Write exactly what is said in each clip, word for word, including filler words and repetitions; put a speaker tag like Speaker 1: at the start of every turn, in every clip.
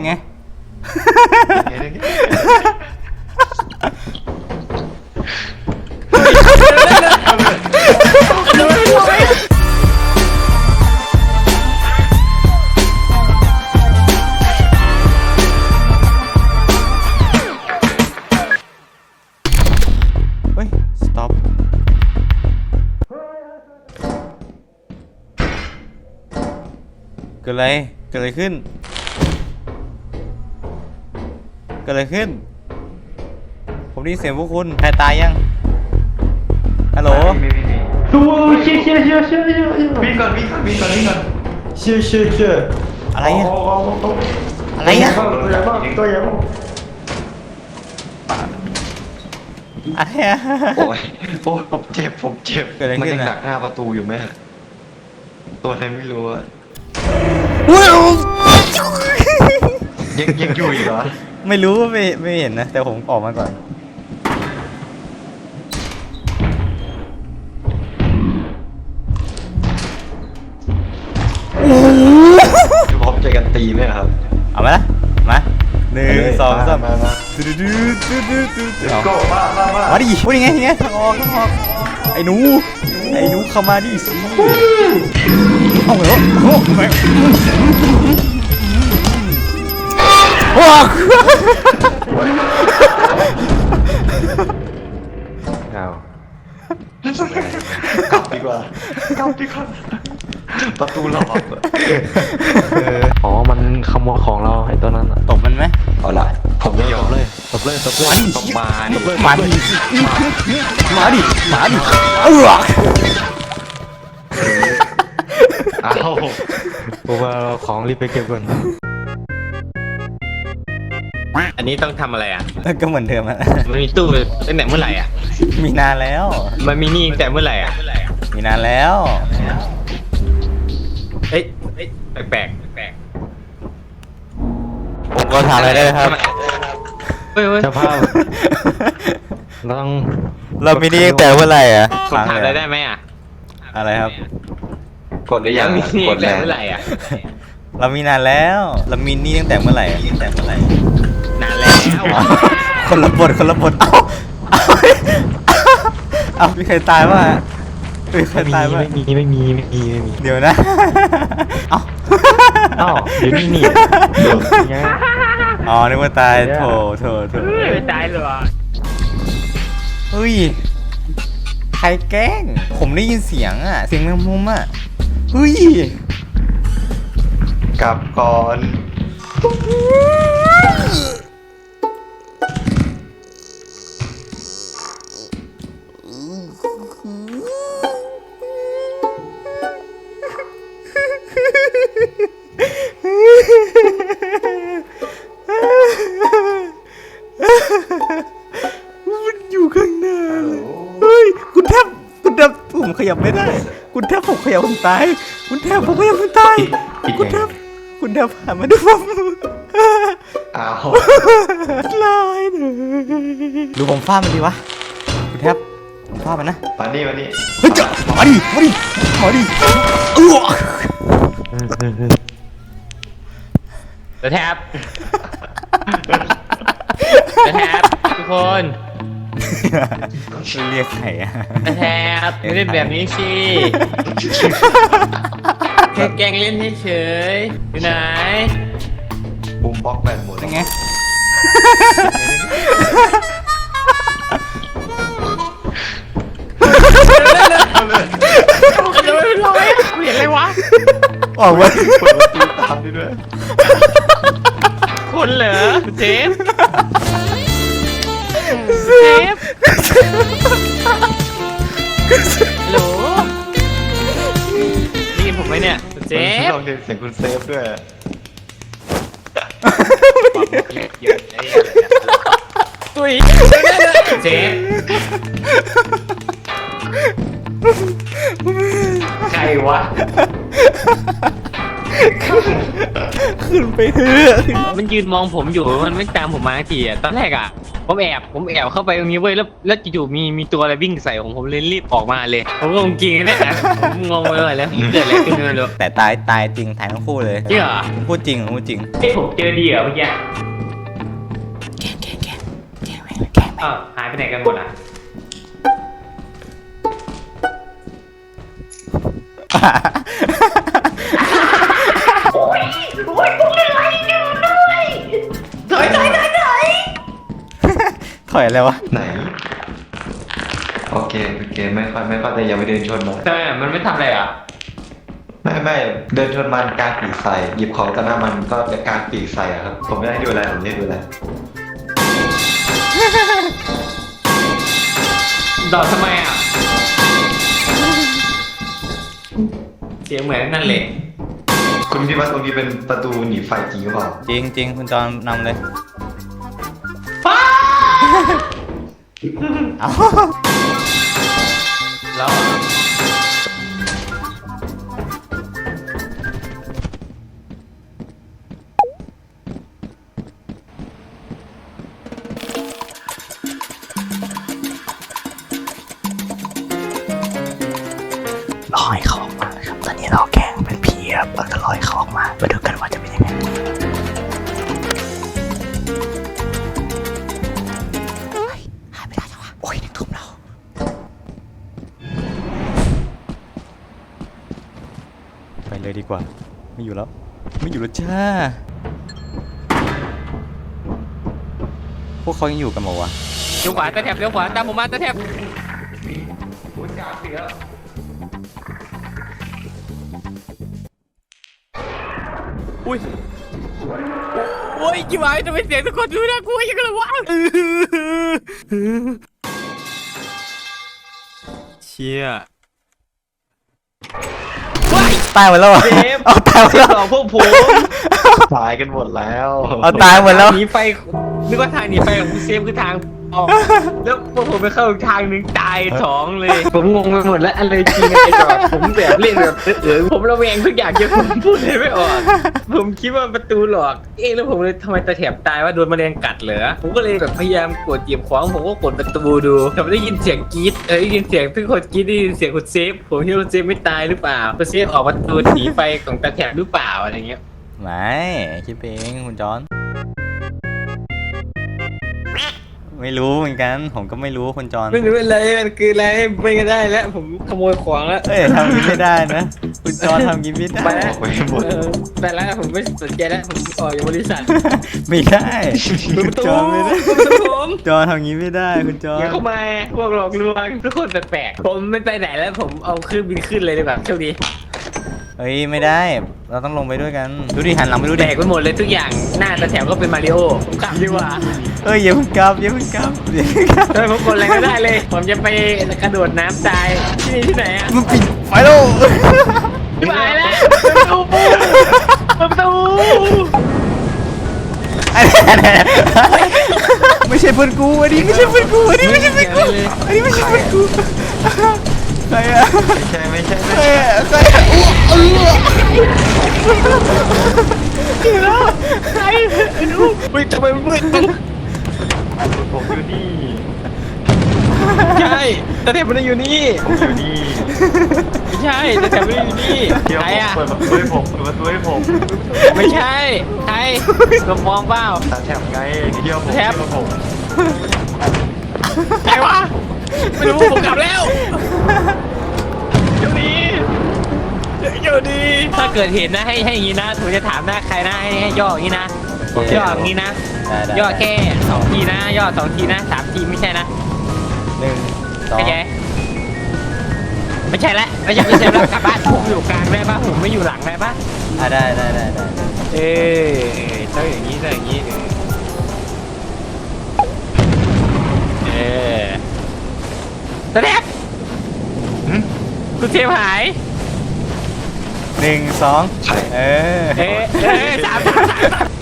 Speaker 1: ไงเฮ้ย stop เกิดอะไรเกิดอะไรขึ้นเกิดอะไรขึ้นผมได้ยินเสียงพวกคุณใครตายยังฮัลโหล
Speaker 2: ดูเชี่ยเชี่ยเชี่ยเชี่ยเชี่ยวิ่งก่อนวิ่งก่อนวิ่งก่อนวิ่งก่อนเชี่ยเชี่ยเชี่ย
Speaker 1: อะไรอะอะไรอะ
Speaker 2: ตัวใหญ่มากตัวใหญ่มาก
Speaker 1: อะไรอะ
Speaker 2: โอ้ยโอ้ยผมเจ็บผมเจ็บมันยังดักหน้าประตูอยู่ไหมตัวอะไรไม่รู้อะยังยังอยู่อีกเหรอ
Speaker 1: ไม่รู้ไม่ไม่เห็นนะแต่ผมออกมาก่อน
Speaker 2: พร้อมใจกันตีไหมครับ
Speaker 1: เอามาละมาหนึ่งสองสาม
Speaker 2: มามา
Speaker 1: ดูดูดูดูดูดูดู
Speaker 2: ก็มามามา
Speaker 1: มาดิพูดยังไงยังไงทางออกทางออกไอ้หนูไอ้หนูเข้ามาดิสิเอาเหรอโอ้ไม่ว้าว
Speaker 2: เอากลับดีกว่ากลับดีกว่าประตูล็อกอ๋อมันขโมยของเราไอ้ตัวนั้น
Speaker 1: ตบมันไหม
Speaker 2: เอาละผมไม่ยอมเลยตบเลยตบเลยตบมาดิ
Speaker 1: มาดิมาดิมาดิเออ
Speaker 2: เอาผมว่าของรีบไปเก็บก่อน
Speaker 3: อันนี้ต้องทำอะไรอ่ะ
Speaker 1: ก็เหมือนเดิมอะ
Speaker 3: มันมีตู้ตั้งแต่เมื่อไหร่อ่ะ
Speaker 1: มีนานแล้ว
Speaker 3: มันมีนี่ตั้งแต่เมื่อไหร่อ่ะ
Speaker 1: มีนานแล้ว
Speaker 3: เอ้ยแปลกแปลก
Speaker 1: ผมก็ทำอะไรได้ครับ
Speaker 3: เฮ้ย
Speaker 2: เจ้าภาพต้อง
Speaker 1: เรามีนี่ตั้งแต่เมื่อไหร่อ่ะ
Speaker 3: ผมถามอะไรได้ไหมอ่ะ
Speaker 1: อะไรครับ
Speaker 2: กดได้ยัง
Speaker 3: มีนี่ตั้งแต่เมื่อไหร่อ่ะ
Speaker 1: เรามีนานแล้วเรามีนี่ตั้งแต่เมื่อไหร่ตั้งแต่เมื่อไหร่
Speaker 3: นานแล้ว
Speaker 1: คนละบทคนละบทเอ้าเอ้ามีใครตายป่ะมีใครตายป่ะ
Speaker 2: ไม่มีไม่มีไม่มีไม่มี
Speaker 1: เดี๋ยวนะเอ้า
Speaker 2: เอ้าเดี๋ยวนี่นี่
Speaker 1: อ๋อนึกว่าตายโถโถโถ
Speaker 3: ไม่ตายหรอ
Speaker 1: เฮ้ยใครแกล้งผมได้ยินเสียงอ่ะเสียงแมงมุมอ่ะเฮ้ย
Speaker 2: กลับก่อน
Speaker 1: มันอยู่ข้างหน้าเฮ้ยคุณแทบคุณแทบผมขยับไม่ได้คุณแทบผมขยับผมตายคุณแทบผมขยับผมตายคุณแทบคุณแทบผ่านมาดูผม
Speaker 2: อ้าว
Speaker 1: ลายเลยดูผมฟาดมันดีวะคุณแทบผมฟาดมันนะ
Speaker 2: มาดิมาดิ
Speaker 1: เฮ้ยจะมาดิมาดิมาดิเออ
Speaker 3: จะแทบจะแทบทุกคน
Speaker 1: เรียกใครอะ
Speaker 3: จะแทบไม่ได้แบบนี้สิแค่แกล้งเล่นเฉยๆอยู่ไหน
Speaker 2: ปุ่มบล็อกแบตหมด
Speaker 1: ยังไง
Speaker 3: จะไม่เป็นไรกูเห็นอะไรวะ
Speaker 1: ออกมา
Speaker 2: เปิดประตูตามดิด้วย
Speaker 3: คนเหรอเจฟเจฟฮัลโหลได้ยินผมไหมเนี่ยเจฟ
Speaker 2: ลองเรียนเสียงคุณเซฟด้วย
Speaker 3: ตุ้ยเจฟใครวะ
Speaker 1: ใขึ้นไปเถอะ
Speaker 3: มันยืนมองผมอยู่มันไม่ตามผมมาสักทีอะตอนแรกอะผมแอบผมแอบเข้าไปตรงนี้เว้ยแล้วแล้วจู่ๆมีมีตัวอะไรวิ่งใส่ผมผมเลยรีบออกมาเลยผมก็งงจริงเนี่ยนะผมงงไปหมดแล้วเกิดอะไรขึ้นไม่รู้
Speaker 1: แต่ตายตายจริงตายทั้งคู่เลย
Speaker 3: จริงเหรอ
Speaker 1: ผมพูดจริงผมพูดจริง
Speaker 3: เอ้ยผมเจอดีเหรอเมื่อกี้
Speaker 1: แกงแกงแกงแกงแม่งแกงแม่ง
Speaker 3: อ้าวหายไปไหนกันหมดอ่ะ
Speaker 1: ถอยถอยถอยถอยถอยอะไรวะ
Speaker 2: ไหนโอเคโอเคไม่ค่อยไม่ค่อยแต่อย่าไปเดินชนมัน
Speaker 3: ทำไมอะมันไม่ทำอะไรอ่ะ
Speaker 2: ไม่ไม่เดินชนมันกางปีกใส่หยิบของตะหน้ามันก็จะกางปีกใส่อะครับผมไม่ได้ดูแลผมไม่ได้ดูแล
Speaker 3: ดอดทำไมอ่ะเสียงเหมือนนั่นเลย
Speaker 2: คุณคิดว่าตรงนี้เป็นประตูหนีไฟจริงหรือเปล่า
Speaker 1: จริงจริงคุณจอนนำเลยเอา
Speaker 3: แล้ว
Speaker 1: ลอยเขาออกมาครับตอนนี้เราแกล้งเป็นผีครับเราจะลอยเขาออกมามาดูกันว่าจะเป็นยังไงหายไปได้จังวะโอ้ยนึกทุ่มเราไปเลยดีกว่าไม่อยู่แล้วไม่อยู่แล้วจ้าพวกเขายังอยู่กันหมดวะ
Speaker 3: เลี้ยวขวาตะแถบเลี้ยวขวาตามผมมาตะแถบอุ้ยโอ้ยจิ๋วไอ้ทำไมเสียงทุกคนดูน่ากลัวอย่างกันเลยวะเชี่ย
Speaker 1: ตายหมดแล้วเหรอ
Speaker 3: เจฟ
Speaker 1: เอาตายหมดแล้ว
Speaker 3: สองพวกผม
Speaker 2: ตายกันหมดแล้ว
Speaker 1: เอาตายหมดแล้ว
Speaker 3: หนีไฟนึกว่าทางหนีไฟของคุณเซฟคือทางออกแล้วพวกผมไปเข้าอีกทางหนึ่งตายสองเลย ผมงงไปหมดแล้วอะไรจริงอะไรหลอกผมแบบเล่นแบบเออผมระแวงทุกอย่างเกี่ยวกับผมพูดเลยไม่ออกผมคิดว่าประตูหลอกเอ๊ะแล้วผมเลยทำไมตะแถบตายว่าโดนแมลงกัดเหรอผมก็เลยแบบพยายามกดเหยียบขวางผมก็กดประตูดูแต่ไม่ได้ยินเสียงกรี๊ดเออได้ยินเสียงทุกคนกรี๊ดได้ยินเสียงคุณเซฟผมคิดว่าคุณเซฟไม่ตายหรือเปล่าคุณเซฟออกประตูหนีไฟของตะแถบหรือเปล่าอะไรเงี้ย
Speaker 1: ไม่คิดเองคุณจอนไม่รู้เหมือนกันผมก็ไม่รู้คุณจอน
Speaker 3: ไม่รู้อะไรมันคืออะไรไม่ก็ได้แล้วผมขโมยของแล้ว
Speaker 1: เอ้ยทำงี้ไม่ได้นะคุณจอนทำงี้ไม่ได้
Speaker 3: ไปแล้ว
Speaker 2: ไปหมด
Speaker 3: เออไปแล้วผมไม่สนใจแล้วผมออกจากบริษัท
Speaker 1: ไม่ได้
Speaker 3: เปิด
Speaker 1: คุ
Speaker 3: ป
Speaker 1: ณ
Speaker 3: ระตู
Speaker 1: จอนไม่ได้
Speaker 3: เปิดประตูผม
Speaker 1: จอนทำงี้ไม่ได้คุณจอน
Speaker 3: อย่าเข้ามาพวกหลอกลวงทุกคนแปลกๆผมไม่ไปไหนแล้วผมเอาเครื่องบินขึ้นเลยดีกว่าโชคดี
Speaker 1: เฮ้ยไม่ได้ เราต้องลงไปด้วยกันดูดิหันหลังไปดู
Speaker 3: แด
Speaker 1: ดิ
Speaker 3: กไปหมดเลยทุกอย่างหน้าตาแถวก็เป็นมาริโอผมกลับดีกว่า
Speaker 1: เอ้ยอย่าเพิ่งกลับอย่าเพิ่งกลับอย่าเพิ่งกลับ
Speaker 3: เฮ้ยผมกดอะไรก็ได้เลย ผมจะไปกระโดดน้ำตายที่นี่ที่ไหนอะ
Speaker 1: มันปิดไฟแล้ว
Speaker 3: ไปแล้วเปิดประตูเปิดประตู
Speaker 1: ไม่ใช่เพื่อนกูอันนี้ไม่ใช่เพื่อนกูอันนี้ไม่ใช่เพื่อนกูอันนี้ไม่ใช่เพื่อนกูใครอะ
Speaker 2: ไม่ใช่ไม่ใช่
Speaker 1: ใครอะใครอะอู้เออใครดู
Speaker 3: เฮ้ยทำไมมันมืดจัง
Speaker 2: ผมอยู่นี่
Speaker 3: ใช่แต่แถบมันอยู่นี่
Speaker 2: ผมอยู่นี่
Speaker 3: ไม่ใช่แต่แถบมันอยู่นี่
Speaker 2: เดี๋ยว
Speaker 3: ใคร
Speaker 2: ผม
Speaker 3: อะ
Speaker 2: เปิดประตูให้ผมเปิดประตูให้ผม
Speaker 3: ไม่ใช่ใครกระมองเปล่า
Speaker 2: ตาแถบไงเที่ยวผม
Speaker 3: แถบ
Speaker 2: เที่ยวผม
Speaker 3: ใครวะไม่รู้ผมกลับแล้วเดี๋ยวนี้เดี๋ยวนี้ถ้าเกิดเห็นนะให้ให้อย่างนี้นะผมจะถามหน้าใครนะให้ให้ย่ออย่างนี้นะย่ออย่างนี้นะ
Speaker 1: ได้ได้
Speaker 3: ย่อแค่สองทีนะย่อสองทีนะสามทีไม่ใช่นะ
Speaker 1: หนึ่งสอง
Speaker 3: เข้าใจไม่ใช่ละไม่ใช่ไม่ใช่แล้วกลับบ้านผมอยู่กลางได้ปะผมไม่อยู่หลังได้ปะ
Speaker 1: อ่ะได้ได้ได้ได้
Speaker 3: เอ้ยต้องอย่างนี้ต้องอย่างนี้เออตะแทบคุณเทมหาย
Speaker 1: หนึ่งสอง
Speaker 2: ใช่
Speaker 1: เออ
Speaker 3: เอ๊ะเอ๊ะสามสามสามสาม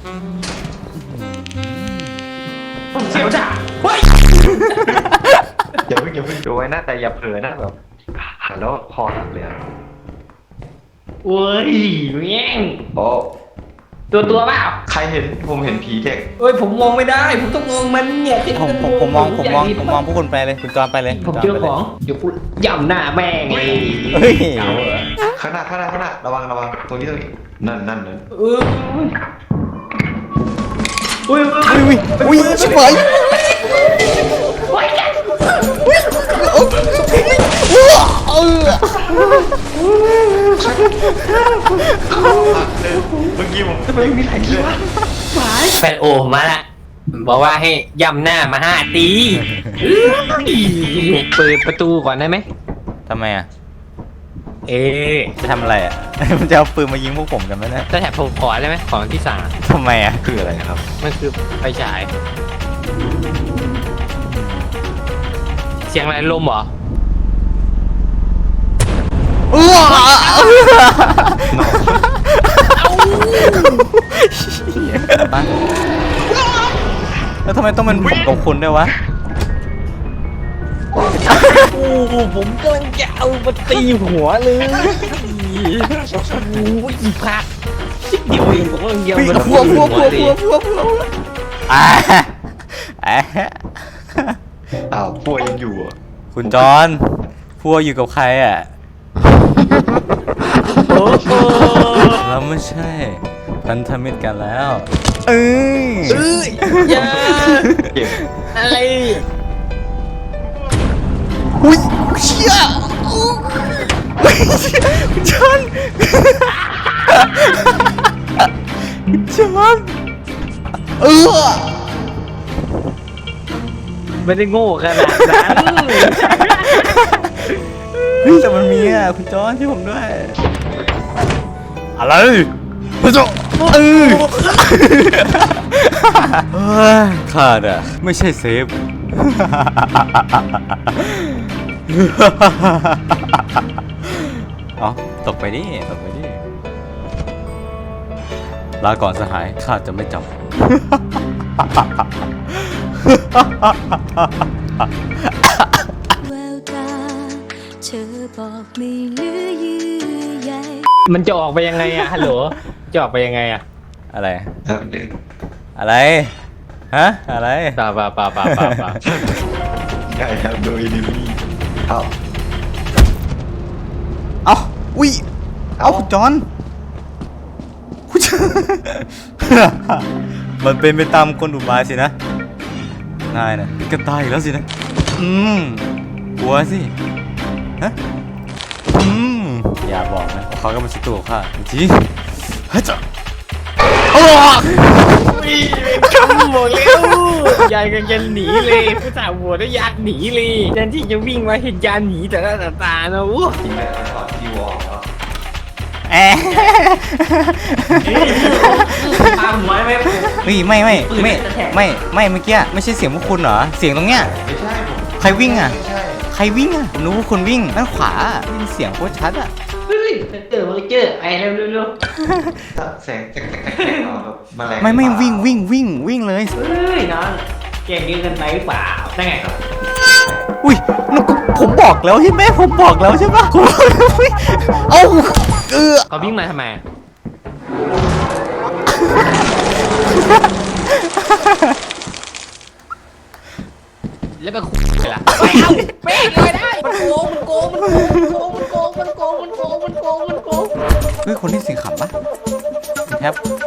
Speaker 3: ผมเสียวจ้ะเฮ้ย
Speaker 2: อย่าเพิ่งอย่าเพิ่งดูไว้นะแต่อย่าเผลอนะแบบหันแล้วคอหักเลยอะ
Speaker 3: เว้ยแม่ง
Speaker 2: โอ้
Speaker 3: ตัวตัวเปล่า
Speaker 2: ใครเห็นผมเห็นผีเด็ก
Speaker 3: เอ้ยผมมองไม่ได้ผมต้องมองมันเนี่ย
Speaker 1: ผมผมผมมองผมมองผมมองพวกคุณไปเลยคุณจอนไปเลย
Speaker 3: ผม
Speaker 1: คุณ
Speaker 3: เจ
Speaker 1: จ
Speaker 3: อน
Speaker 1: ไป
Speaker 3: ข
Speaker 1: เลย
Speaker 3: องเดี๋ยวกูย่ำหน้าแม่งเลย
Speaker 1: เฮ้ย
Speaker 3: เอาเหรอ
Speaker 2: ข้างหน้าข้างหน้าข้างหน้าระวังระวังตรงนี้ตรงนี้นั่นนั่นเลย
Speaker 3: เอออุ้ย
Speaker 1: อุ้ยอุ้ยอุ้ยชิบหาย
Speaker 2: เมื่อกี้ผม
Speaker 3: ทำไมมีหลายทีวะแฟนโอมาละบอกว่าให้ย่ำหน้ามาห้าตีเปิดประตูก่อนได้ไหม
Speaker 1: ทำไมอ่ะ
Speaker 3: เอ๊ะ
Speaker 1: จะทำอะไรอ่ะ มันจะเอาปืนมายิงพวกผมกันไหมเนี่ย
Speaker 3: จะแถบผมขอได้ไหมของที่สาม
Speaker 1: ทำไมอ่ะ
Speaker 2: คืออะไรครับ
Speaker 3: มันคือไฟฉาย เสียงอะไรลมเหรอ
Speaker 1: อ้วแล้วทำไมต้องเป็นผมกับคุณด้วยวะ
Speaker 3: โอ้โหผมกำลังจะเอามาตีหัวเลยโอ้ยอีพักชิบเดียวเองผมกำลังจะเอามา
Speaker 1: พัวพัวพัวพัวพัวพัวอ่าอ่า
Speaker 2: อ้าวป่วยยังอยู่อ่ะ
Speaker 1: คุณจอนพัวอยู่กับใครอ่ะ
Speaker 3: โอ้โห
Speaker 1: เราไม่ใช่พันธมิตรกันแล้วเอ้ย
Speaker 3: เอ้ยอย่า
Speaker 2: เก็บ
Speaker 3: อะไร
Speaker 1: อุ้ยเชี่ยคุณจอนคุณจอนเออ
Speaker 3: ไม่ได้โง่ขนาดนั้น
Speaker 1: เฮ้ยแต่มันมีอ่ะคุณจอนช่วยผมด้วย อะไรคุณจอนเออเฮ้ยขาดอ่ะไม่ใช่เซฟ เอาตกไปดิตกไปดิลาก่อนสหายข้าจะไม่จำ
Speaker 4: แววตาเธอบอกไม่เหลือเยื่อใย
Speaker 3: มันจะออกไปยังไงอะฮัลโหลจะออกไปยังไงอะ
Speaker 1: อะไร
Speaker 2: ครับเด็ก
Speaker 1: อะไรฮะอะไร
Speaker 3: ป่าป่าป่าป่าป่าป่า
Speaker 2: ใช่ครับโดยดิมี่เอ้า
Speaker 1: เอาอุ้ยเอาคุณจอนคุณจอน มันเป็นไปตามกลอุบายสินะนายนะก็ตายอีกแล้วสินะอืมกลัวสิฮะอืมอย่าบอกนะว่าเขาก็เป็นศัตรูของข้าจริงๆเฮ้ยจ้ะโอ้
Speaker 3: คำบอกเร็วยายกันยันหนีเลยผู้สาวหัวได้ยากหนีเลยแทนที่จะวิ่งมาเห็นยานหนีแต่ละตาตานะวู้
Speaker 2: จริงไหมตอนที่วอร์มแล้ว
Speaker 1: แอะ
Speaker 3: ตามหัวไหม
Speaker 1: เฮ้ยไม่ไม่ไม่ไม่ไม่เมื่อกี้ไม่ใช่เสียงพวกคุณเหรอเสียงตรงเนี้ย
Speaker 2: ไม่ใช่ผม
Speaker 1: ใครวิ่งอ่ะ
Speaker 2: ไม่ใช่
Speaker 1: ใครวิ่งอ่ะผมรู้ว่าคุณวิ่งด้านขวาได้ยินเสียงโคตรชัดอ่ะ
Speaker 3: เฮ้ยเจอมาเจอไอ้เร็วเร็วเร็ว
Speaker 2: แสงแตกแตกแตกเนาะแบบแมลง
Speaker 1: ไม่ไม่วิ่งวิ่งวิ่งวิ่งเลย
Speaker 3: เฮ้ยน้องเก่งเกินกันไปหรือเปล่าได้ไงครับ
Speaker 1: อุ้ยแล้วก็ผมบอกแล้วใช่ไหมผมบอกแล้วใช่ปะผมบอกแล้วเฮ้ยเอ้าเออ
Speaker 3: เขาวิ่งมาทำไมแล้วไปคุยไปละไปเอ้าเป๊ะเลยได้มันโกงมันโกงมันโกงมันโกงมันโกงมันโกงมันโกงมันโกงมันโกง
Speaker 1: เฮ้ยคนที่เสียงขำปะแทบ